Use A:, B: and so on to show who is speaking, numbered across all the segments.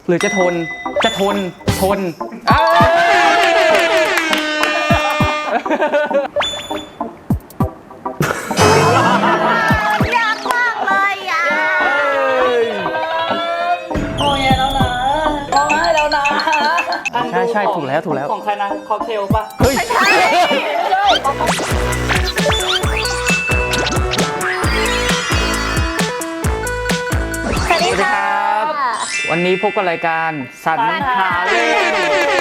A: หรือจะทนทน
B: ยากมากเลยอ่ะ
C: โอ้ยแล้วนะร้องไห้แล้วนะ
A: ใช่ถูกแล้ว
C: ของใครนะค็อกเทลป่ะ
A: เฮ้ย
B: ใช่สวัสดีค่ะ
A: วันนี้พบกับรายการสันหาเล่น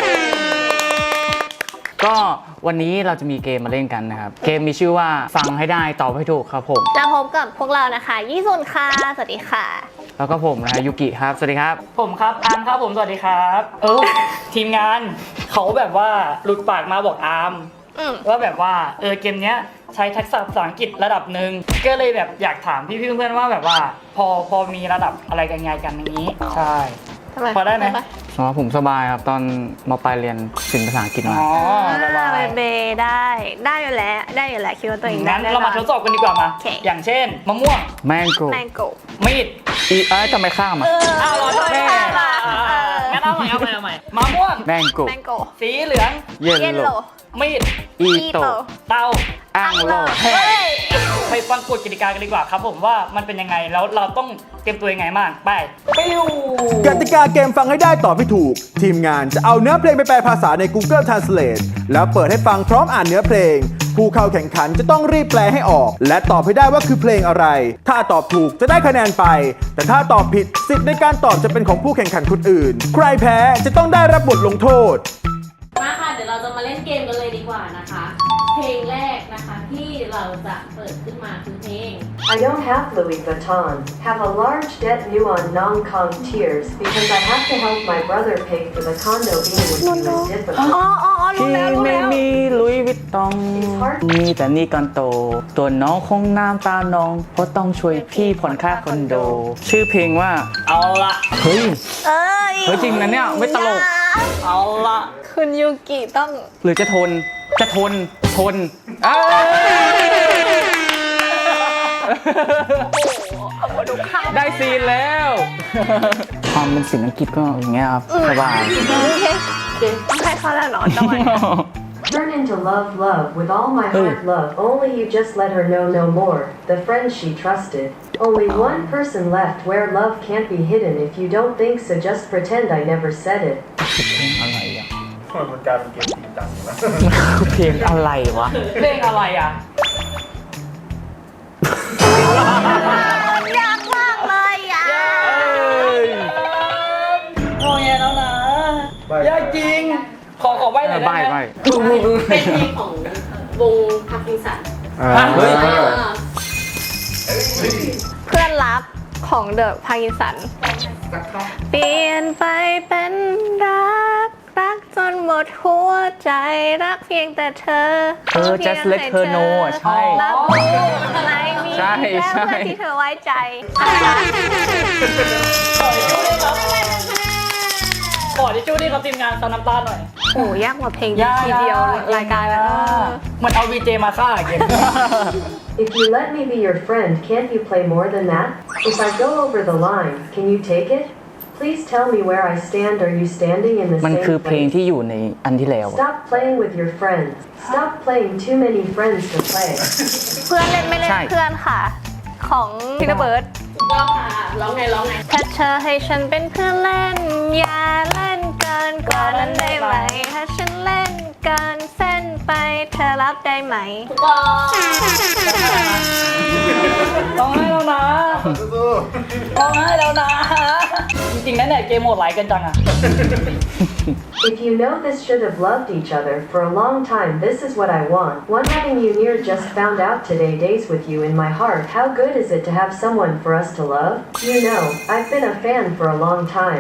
A: ก็วันนี้เราจะมีเกมมาเล่นกันนะครับเกมมีชื่อว่าฟังให้ได้ตอบให้ถูกครับผม
B: จะพบกับพวกเรานะคะยี่สุนค่ะสวัสดีค่ะ
A: แล้วก็ผมนะยุกิครับสวัสดีครับ
C: ผมครับอาร์มครับผมสวัสดีครับทีมงานเขาแบบว่าหลุดปากมาบอกอาร์มว่าแบบว่าเกมเนี้ยใช้ทักษะภาษาอังกฤษระดับหนึ่งก็เลยแบบอยากถามพี่เพื่อนๆว่าแบบว่าพอมีระดับอะไรกันไงกันอย่างนี้ใช่พอได้ไหม
A: อ๋อผมสบายครับตอนม.ปลายเรียนศิลป์ภาษาอังกฤษมา
B: เบได้อยู่แล้วคิดว่าตัวเองได้
C: งั้นเรามาทดสอบกันดีกว่ามาอย่างเช่นมะม่วง
A: แมงโก้มีดทำไมข้ามอ่ะ
C: เราทำไมงั้นเอาใหม่มะม่วง
A: แมงโก้
C: สีเหลือง
B: เยลโล่
C: มีด
A: อีโต
C: เตา
A: อ่างโล
C: ไปฟังกฎกติกากันดีกว่าครับผมว่ามันเป็นยังไงแล้วเราต้องเตรียมตัวยังไงบ้างไปปิ้ว
D: กติกาเกมฟังให้ได้ตอบให้ถูกทีมงานจะเอาเนื้อเพลงไปแปลภาษาใน Google Translate แล้วเปิดให้ฟังพร้อมอ่านเนื้อเพลงผู้เข้าแข่งขันจะต้องรีบแปลให้ออกและตอบให้ได้ว่าคือเพลงอะไรถ้าตอบถูกจะได้คะแนนไปแต่ถ้าตอบผิดสิทธิ์ในการตอบจะเป็นของผู้แข่งขันคนอื่นใครแพ้จะต้องได้รับบทลงโทษ
E: มาค่ะเดี๋ยวเราจะมาเล่นเกมกันเลยดีกว่านะคะเพลงแรกนะคะที่เราจะเปิดขึ้นมาคือเพลง
F: I don't have Louis Vuitton, have a large debt due on non-com tears because I have to help my brother pay for the condo being with you is difficult.
A: พี่ไม่มีลุยวิตตองมีแต่นี่ก่อนโตตัวน้องคงน้ำตาน้องเพราะต้องช่วยพี่ผ่อนค่าคอนโดชื่อเพลงว่า
C: เอาละ
A: เฮ้ยจริงนะเนี่ยไม่ตลก
C: เอาละ
B: คุณยูกิต้อง
A: หรือจะทนได้ซีนแล้วความเป็นศิลป์อังกฤษก็อย่างเงี้ยครับสบาย
B: ต้องให้เขาแล้วเนาะจังหวะ
F: Turn into love with all my heart love only you just let her know no more the friend she trusted only one person left where love can't be hidden if you don't think so just pretend I never said it
A: อะไรอ่ะ
G: มันกลายเป็นเกมจริงจังนะ
A: เพลงอะไรวะ
C: เพลงอะไรอ่ะ
B: ยากมากเลยอ่ะ
C: โอ้ยแล้วนะยากจริงขอใบ้หน่อยได้ไหม
E: เป็นเพลงของวงพาร์กินสัน
B: เพื่อนรักของเดอะพาร์กินสันเปลี่ยนไปเป็นรักจนหมดหัวใจรักเพียงแต่เธอ
A: just let her know ใช่
B: รับรู้อะไรมีแค่เพื่อนที่เธอไว้ใจ
C: ขอที่จู้นี่เขาทีมงานซันน้ำตาหน่อย
B: โอ้ยากกว่าเพลงทีเดียวรายการแล้ว
C: มันเอาวีเจมาฆ่าเกม
F: If you let me be your friend can't you play more than that If I go over the line can you take it Please tell me where I stand Are you standing in the same place
A: มันคือเพลงที่อยู่ในอันที่แล้ว
F: Stop playing with your friends Stop playing too many friends to play
B: เพื่อนเล่นไม่เล่นเพื่อนค่ะของพินเบิร์ด
E: ร้องค่ะร้องไง
B: ถ้าเธอให้ฉันเป็นเพื่อนเล่นอย่าเล่นเกินกว่านั้นได้ไหมถ้าฉันเล่นเกินเส้นไปเธอรับได้ไหม
E: ถูกต้อง
C: ร้องให้แล้วนะร้องให้แล้วนะจริงๆนั่นแหละเกมโหดไหลกันจังอะ
F: If you know this should have loved each other for a long time this is what I want One having you near just found out today days with you in my heart How good is it to have someone for us to love You know I've been a fan for a long time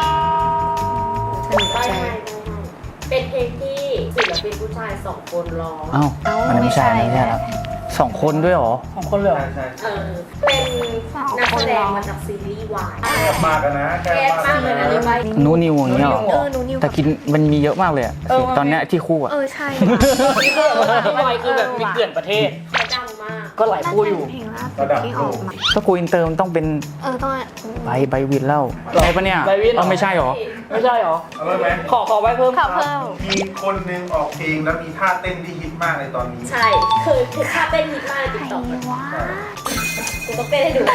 E: เป็นเพลงที่ศิลปินผู้ชาย2คนร้อง
A: มันไม่ใช่ครับ2 คนด้วยหรอ
C: 2 คนเลย
G: ใช่
E: เป็นนักแสดงมาจากซีรีส์วาย
G: แกมากนะ
E: แกมากเลยนะนี่ไป
A: นูนิวอย่างเงี้ยหรอแต่กินมันมีเยอะมากเลยอ่ะตอนเนี้ยที่คู่อ่ะ
B: ใช่
C: นี่คือวายคือแบบมีเกลื่อนประเทศ
E: เขาดังมาก
C: ก็หลายคู่อยู่
B: เพลงล่าสุดที่ออกมา
A: ถ้ากูอินเตอร์มันต้องเป็น
B: ต้อง
A: ใบวินแล้วใช่ปะเนี่ย
C: ใบวินเหรอ
A: ไม่ใช่หรอ
C: ไม่ใช่หรอ
G: เอาเลยไหม
C: ขอไว้เพิ่ม
B: ข่าวเพิ่ม
G: มีคนหนึงออกเพลงแล้วมีท่าเต้นที่ฮิตมากในตอนนี้
E: ใช่คือท่าเต้นฮิตมากในติ๊กต็อก
B: ว้า
E: กูต้องเต้นให้ดู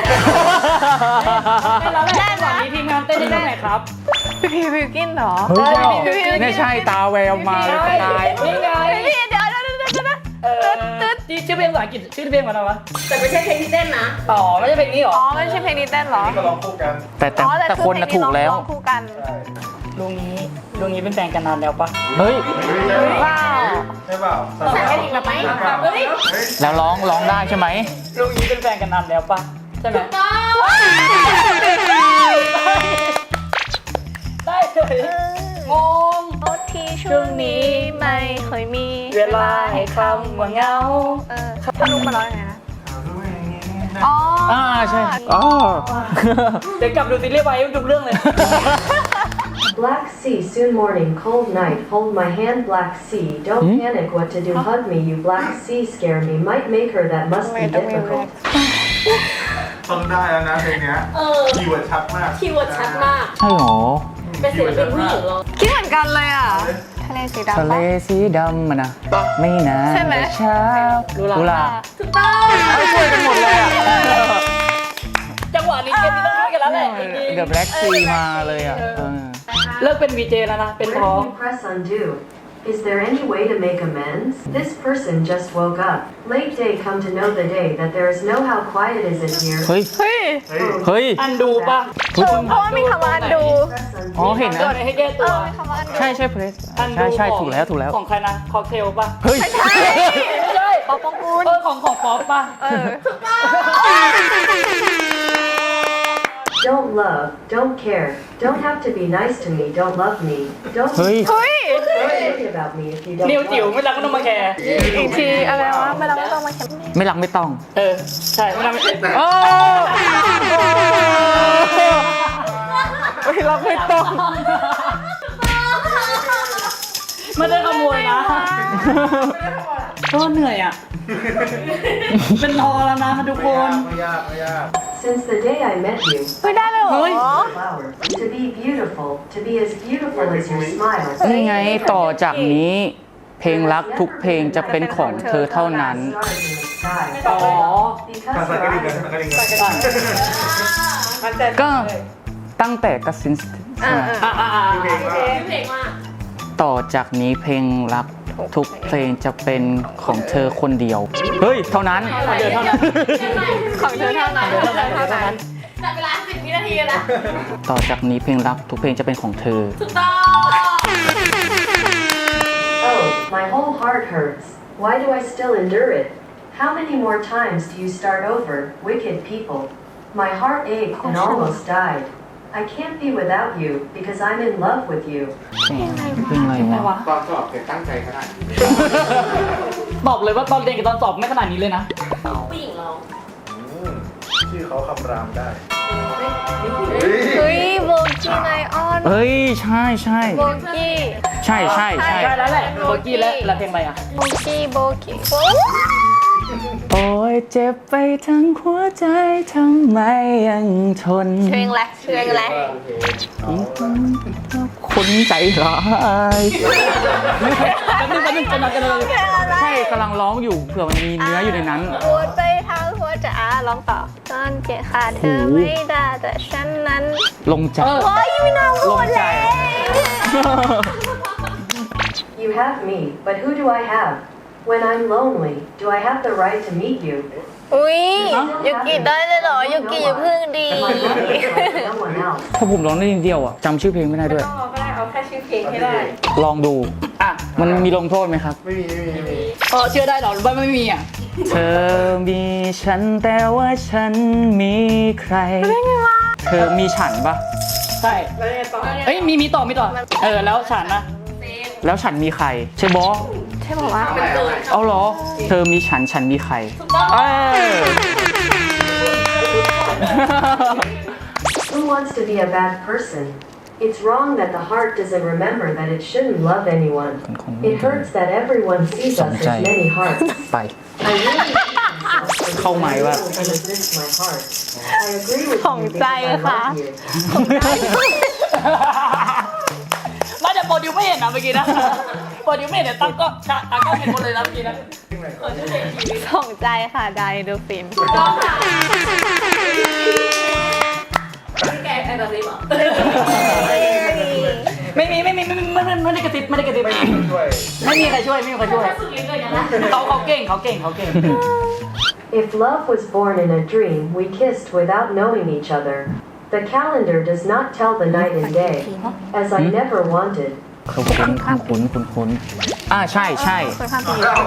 C: แล้วแหละก่อนนี้ทีมงานเต้นได้ไหมครับ
B: พี่บิวกินเหรอ
A: เฮ้ย
B: พี่
A: ไม่ใช่ตาแววมาเลยตาย
C: นี่ไง
B: พี่เดี๋ยว
C: ที่ชื่อเพลงภาษาอังกฤษชื่อเพลงว่าอะไรวะ
E: แต่ไม่ใช่เพลงที่เต้นนะ
C: ต่อไม่ใช่เพลงนี้หรอ
B: อ๋อไม่ใช่เพลงนี้เต้นเหรอ
G: นี่ก็ร้องคู่กัน
A: แต่คนน่ะถูกแล้ว
B: ร้องคู่กัน
G: ใช่
C: ลุงนี้เป็นแฟนกันนานแล้วปะ
A: เฮ้ย
B: ว้าว
G: ใช่เปล่า
E: ใส่กระดิ่งแบบไหมเฮ้ย
A: แล้วร้องได้ใช่ไหม
C: ลุงนี้เป็นแฟนกันนานแล้วปะใช่ไหมได้เลยงง
B: โทษทีช่วงนี้ไม่เคยมี
C: เวลาให้คำว่าเหงา
B: ถ้าลุงมาร้องยังไงนะอ๋อ
A: ใช่อ๋อ
C: เดี๋ยวกลับดูซีรีส์ไว้ทุกเรื่องเลย
F: Black sea, soon morning, cold night, hold my hand, Black sea, don't panic what to do, hug me, you Black sea, scare me, might make her, that must be difficult.
G: ต้องได้แล้วนะเพลงเนี้ย คีย์เวิร์ดชัดมาก
E: คีย์เวิร์ดชัดมาก
A: ใช่หรอ
E: เป็นศิลปินผู้หญิงเหรอ
B: คิดเหมือนกันเลยอ่ะทะเลสีดำ
A: ทะเล
B: ปะ
A: สีดำมันนะไม่นาน
B: ใช่ไหม
A: แต่เช้า
C: กุหลาบ
E: ถูกต้อง
A: ช่วยกันหมดเลยอ่ะ
C: จังหวะนี้เกมนี้ต้องช่วยกันแล้วแหละจริง
A: เดอะแบล็กซีมาเลยอ่ะ
C: ๆเลิกเป็นวีเจแล้วนะ เป็น
F: Where
C: ท้อง
F: do you press undo? Is there any way to make amends? This person just woke up. Late day come to know the day that there is no how quiet is it here.
A: เฮ้ย
B: เฮ้ย
A: เฮ้ย
C: อันดูปะ
B: เพราะว่ามีคำว่าอันดู
F: Press
A: อ๋อ
F: undo.
A: เห็น
C: เดี๋ยว
A: นะ
C: ให้แก้ตัว
B: มีคำว่าอันดู
A: ใช่เพลส
C: อันดู
A: ใช่
C: ของ
A: ถูกแล้วถูกแล้ว
C: ของใครนะค็อกเทลปะ
A: เฮ้ย
B: ไม่ใช่
C: ไม่ใช่
B: ป๊อปปองกูล
C: ของป๊อปปะ
F: Don't love, don't care, don't have to be nice to me, don't love me, don't
A: เฮ้ย
B: เฮ้ย
F: worry about me if you don't
C: นิวจิ๋ว
F: love
C: ไม่รักก็ต้องมาแคร์
B: อีกทีอะไรวะไม่เราไม่ต้องมาแคป
A: ไม่รักไม่ต้อง
C: ใช่ไม่รักไม่
A: โอ้ไม่รักไม่ต้อง
C: ไม่ได้ขโมยนะก็เหนื่อยอ่ะ เป็นทอแล้วนะทุกคน
G: ไม่ยากไม่ยาก
F: Since the day I met you,
B: ไม่ได้เลยเหรอ
F: flower, to be beautiful, to be as beautiful as your smile.
A: นี่ไงต่อจากนี้เพลงรักทุกเพลงจะเป็นของเธอเท่านั้น
F: Stars in the sky.
C: อ๋อ
F: Because
G: ภาษา
F: your
G: กระดิ่ง
F: eyes
G: กัน
F: are
G: กระดิ่งกัน
A: ก็ตั้งแต่กสิน
E: เพลงมาก
A: ต่อจากนี้เพลงรักทุกเพลงจะเป็นของเธอคนเดียว เฮ้ย เท่านั้น
C: เดี๋ยวเท่านั้น
B: ของเธอเท่านั้นเท่านั้น
E: จับเวลา10 วินาทีนะ
A: ต่อจากนี้เพลงรักทุกเพลงจะเป็นของเธอ
E: ถูกต้อง
F: Oh, my whole heart hurts. Why do I still endure it? How many more times do you start over, wicked people? My heart ached and almost died. I can't be without you because I'm in love with you.
A: เพลงอะไร
C: ไม่
A: วะ
C: วะ
G: ตอนสอบเธอตั้งใจขนาดนี้
C: บอกเลยว่าตอนเรียนกับตอนสอบไม่ขนาดนี้เลยนะ
E: ผู้หญิงร้อง
G: ชื่อเขาคำรามได้
B: เฮ้ยโบกี้ไนออน
A: เฮ้ย ใช่ใช่
B: โบกี้
A: ใช่ใช่ใช่
C: ได้แล้วแหละโบกี้และเพลงอะไรอ่ะ
B: โบกี้โบกี้
A: โอ้ยเจ็บไปทั้งหัวใจทำไมยังทน
B: เพลงแรกเพลงแรก
A: คนใจร้าย
C: แป๊บนึงจะนอนกันเลย
A: ใช่กำลังร้องอยู่เผื่อมันมีเนื้ออยู่ในนั้น
B: ปวดไปทั้งหัวใจร้องต่อตอนเกลียดขาดเธอไม่ได้แต่ฉันนั้น
A: ลงใจ
B: โอ้ยไม่น่าพูดเลย
F: You have me, but who do I have? When I'm lonely, do I have the right to meet you?
B: อุ้ยยูกิได้เลยเหรอยูกิอย่าพึ่งดี
F: My love is like no one else.
A: ถ้าผมร้องได้นิดเดียวอ่ะจำชื่อเพลงไม่ได้ด้วย
E: เอาก็ได้ เอาแค่ชื่อเพลงให้ได้
A: ลองดู
C: อ่ะ
A: มันมีลงโทษไหมครับ
G: ไม่มีไม่มี
C: เชื่อได้หรอหรือว่าไม่มีอ่ะ
A: เธอมีฉันแต่ว่าฉันมีใคร เธอมีฉันปะ
C: ใช่เอ้ยมีต่อแล้วฉันนะ
A: แล้วฉันมีใคร ใช่บอ
B: ใช่บอกว่า
A: เอาเหรอ เธอมีฉันฉันมีใครเออ
F: Who wants to be a bad person? It's wrong that the heart doesn't remember that it shouldn't love anyone. It hurts that everyone sees us as many hearts.
A: ไป
F: I really hate myself for
A: เข้าไหมว่า
F: You resist my heart. I agree with
B: ของ
F: you
B: ใจ
F: because I
B: ค่ะ
F: love you.
C: ไม่แต่โปรดิวไม่เห็นนะเมื่อกี้นะโปรดิวไม่เห็นแต่ตั้งก็เห็นหมดเลยนะเมื่อกี้นะ
B: ของใจค่ะไดดูฟิน
E: ต้องค่ะพี่แกแอนด์ริฟเหรอ
C: ไม่ได้กระติบไม่ได้กระติบ
G: ช่วย
C: ไม่มีใครช่วยไม่มีใครช่วย
E: ถ้าสุดลิ้นเลยนะ
C: เขาเก่ง
F: If love was born in a dream, we kissed without knowing each other. The calendar does not tell the night and day, as I never wanted.
A: คุ้นใช่
B: คนข้ามปีใช่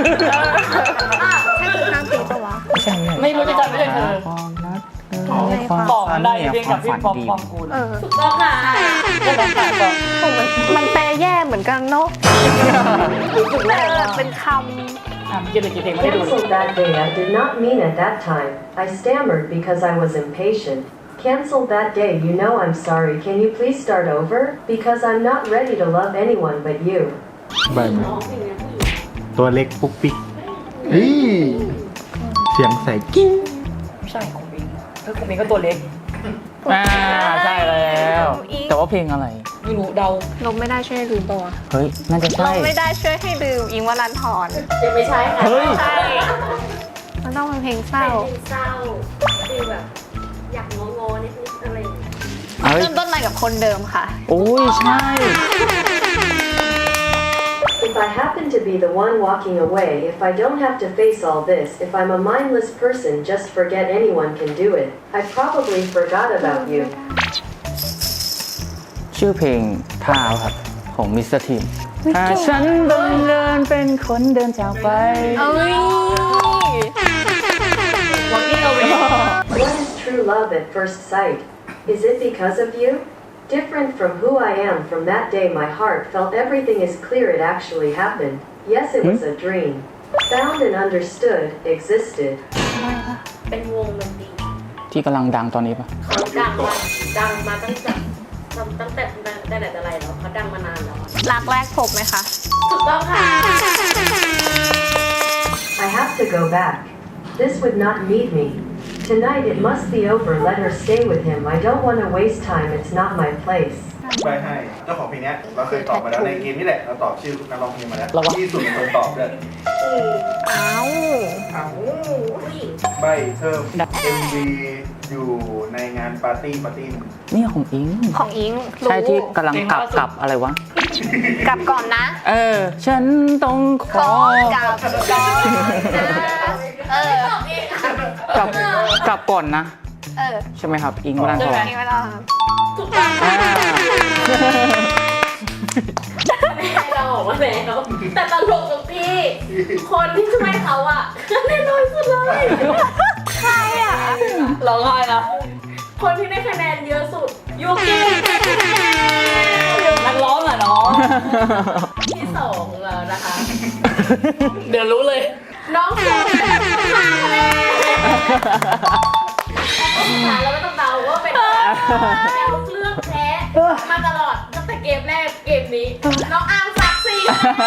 B: คนข้ามปีปะวะ
A: ไม่ใช่
C: ไม่รู้จะจำไม่ได้เธอ ของได้เพลงกับพี่ปอมปองกูล
E: ถูกต้องค่ะ
B: มันแปลแย่เหมือนกันเนาะแต่เป็นค
C: เมื่อกี้เลยกี่เพลงไม่ได้ดู
F: Cancelled that day I did not mean at that time. I stammered because I was impatient. Cancelled that day, you know I'm sorry. Can you please start over? Because I'm not ready to love anyone but you.
G: ใบไม้ตัวเล็กปุ๊กปิ๊กเฮ้ยเสียงใสกิ้ง
C: ไม่ใช่ของบิงของบิงก็ตัวเล็ก
A: ใช่แล้ว แต่ว่าเพลงอะไร
C: ไม่รู้เดา
B: ำลมไม่ได้ช่วยให้ลืมปะวะ
A: เฮ้ย น่าจะ
B: ล
A: ใช่
B: มไม่ได้ช่วยให้ลืมอิงวัลันทร
E: ยังไม่ใช่ค่ะ
A: เฮ้ย
B: ใช่ มันต้องเป็นเพลงเศร้า
E: เป็นเศร้าคือแบบอยากงอๆนิดๆอะไรอย่างเงี้ย
A: เฮ้ย
B: เริ่มต้นมากับคนเดิมค่ะ
A: โอ้ยใช่
F: If I happen to be the one walking away, if I don't have to face all this, if I'm a mindless person, just forget anyone can do it. I probably forgot about you.
A: ชื่อเพลงท่าครับ ของมิสเตอร์ทีมถ้าฉันบังเอิญเป็นคนเดินจากไป
B: เอ้ย
F: What is true love at first sight? Is it because of you? Different from who I am from that day my heart felt everything is clear it actually happened. Yes, it was a dream. Found and understood, existed.
E: เป็นวงดนตรี
A: ที่กำลังดังตอนนี้ปะ
E: เขาดังมาตั้งแต่ไหนแต่ไรแล้วเขาดังมานานแล้ว
B: รักแรกพบไหมคะ
E: ถูกต้องค่ะ
F: I have to go back. This would not need me. Tonight it must be over. Let her stay with him. I don't want to waste time. It's not my place.
G: ใบให้เจ้าของเพลงเนี้ยเราเคยตอบมาแล้วในเกมนี่แหละเราตอบชื่อนักร้องเพลงมาแล้ว
C: เราวะ
G: ที่สุดเป็นคนตอบด้วย
B: เอ้า
E: ผู้หญิง
G: ใบเพิ่ม MV อยู่ในงานปาร์ตี้หนึ่ง
A: นี่ของอิง
B: ของอิงรู้
A: ใช่ที่กำลังกลับอะไรวะ
B: กลับก่อนนะ
A: ฉันต้องขอ
B: กลับก่อนนะ
A: กลับก่อนนะ ใช่ไหมครับ อิงวรันทร
B: นี่ไม่ต้อง
E: ถูกต้องให้เราออกมาแล้วแต่ตลกตรงที่คนที่ช่วยเขาอ่ะแน่นอนสุดเลย
B: ใครอ่ะ
C: ร้องไห้นะ
E: คนที่ได้คะแนนเยอะสุดยูกิ
C: นักร้องอะน้อง
E: ที่สองแล้วนะคะ
C: เดี๋ยวรู้เลย
E: น้องโฟมได้5คะแนนเราไม่ต้องเดาว่าเป็นแนวเลือกแพ้มาตลอดตั้งแต่เกมแรกเกมนี้น้องอาร์มซักซี่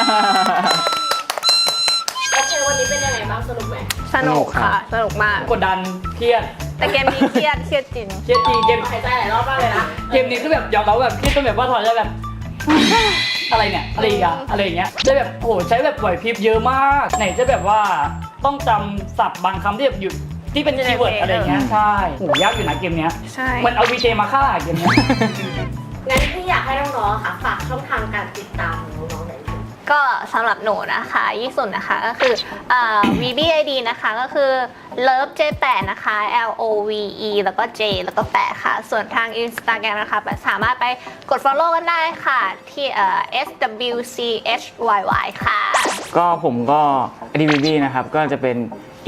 E: โอเควันนี้เป็นยังไงบ้างสนุกไหม
B: สนุกค่ะ สนุกมาก
C: กดดันเครียด
B: แต่เกมนี้เครียดจริง
C: เครียดจริงเกม
E: หายใจหลายรอบมากเลยนะ
C: เกมนี้คือแบบยอมรับแบบเครียดจนแบบว่าถอยจะแบบ อะไรเนี่ยอะไรอีกอะอะไรอย่างเงี้ยจะแบบโอ้โหใช้แบบไหวพริบเยอะมากไหนจะแบบว่าต้องจำศัพท์บางคำที่แบบอยู่ที่เป็นคีย์เวิร์ดอะไรอย่างเงี้ยใช่โหยากอยู่นะเกมเนี้ย
B: ใช่
C: มันเอาวีเจมาฆ่าเกมเนี้ย
E: งั้นพี่อยากให้น้องๆค่ะฝากช่องทางการติดตามของน้องๆหน่อยค่ะ
B: ก็สำหรับหนูนะคะยี่สุดนะคะก็คือVBID นะคะก็คือ Love J8 นะคะ LOVE แล้วก็ J แล้วก็8ค่ะ ส่วนทาง Instagram นะคะสามารถไปกด follow กันได้ค่ะที่SWCHYY ค่ะ
A: ก็ผมก็ DVB นะครับ ก็จะเป็น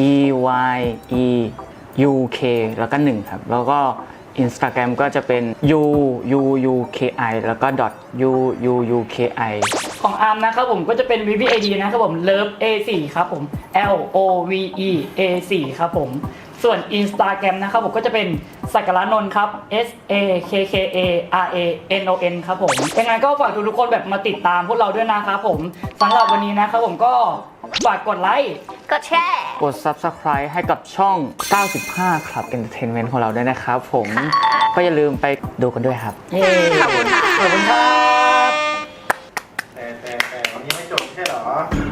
A: EYEUK แล้วก็1ครับ แล้วก็ Instagram ก็จะเป็น UUUKI แล้วก็ .UUUKI
C: ของอาร์มนะครับผมก็จะเป็น VVAD นะครับผม Love A4 ครับผม LOVE A4 ครับผมส่วน Instagram นะครับผมก็จะเป็นสักการะนนท์ครับ SAKKARANON ครับผมยังไงก็ฝากทุกๆคนแบบมาติดตามพวกเราด้วยนะครับผมสำหรับวันนี้นะครับผมก็ฝากกดไลค์
B: กดแชร์
A: กด Subscribe ให้กับช่อง 95 Club Entertainment ของเราด้วยนะครับผมก็อย่าลืมไปดูกันด้วยครับ
B: ขอบคุณค่ะ
C: ขอบคุณครับ
G: แต่วันนี้ไม่จบใช่เหรอ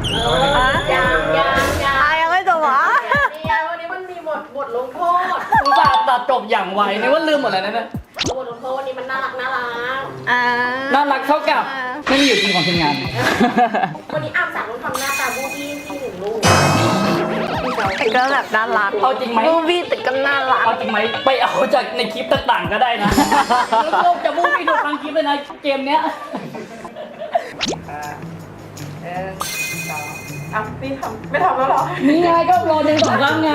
B: ยังไม่จบเหรอ
E: เนี่ยวันนี้มันมีบทลงโทษ
C: อุตส่าห์ตัดจบอย่างไวนึกว่าลืมหมดแล้วนะเนี่ย
E: บทลงโทษวันนี้มันน่ารัก
C: น่ารักเท่ากับไม่มีอยู่จริงของทีมงาน
E: วันนี้อ้ำสั่งต้องทำหน้าตาบูบี้ที่หนึ่งลูก
B: แต่ก็แบบน่ารัก
C: เอาจริงไหม
B: มูวี่แต่ก็น่ารัก
C: เอาจริงไหมไปเอาจากในคลิปต่างๆก็ได้นะโลกจะมุ่งไปดูทางคลิปเลยนะเกมเนี้ย
H: ไม่ทำแล้วเหรอ
C: นี่ไงก็รอเดินสองครั้งไง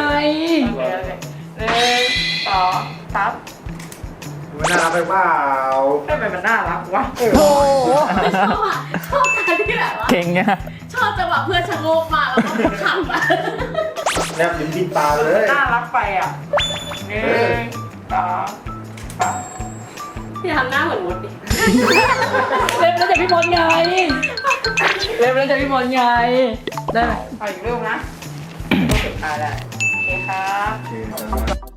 H: 1 2 3
G: มันน่ารักไปเปล่า
H: ทำไมมันน่ารักวะ
B: โอ้โห
E: ชอบอ่ะชอบการที่แบบว่า
A: เก่งเนี่ย
E: ชอบจังหวะเพื่อนชะโงกมาแล้วก็ขำอ่ะ
G: แนบลิ้นปิดตาเลย
H: น่ารักไปอ่ะ1 2 3
E: พี่ทำหน้าเหมือนมดดิ
C: เล็บแล้วจากพี่บอลไงเล็บแล้วจากพี่บอลไงได้ไหม
H: เอาอีกรูปนะรูปสุดท้ายแล้วโอเคครับ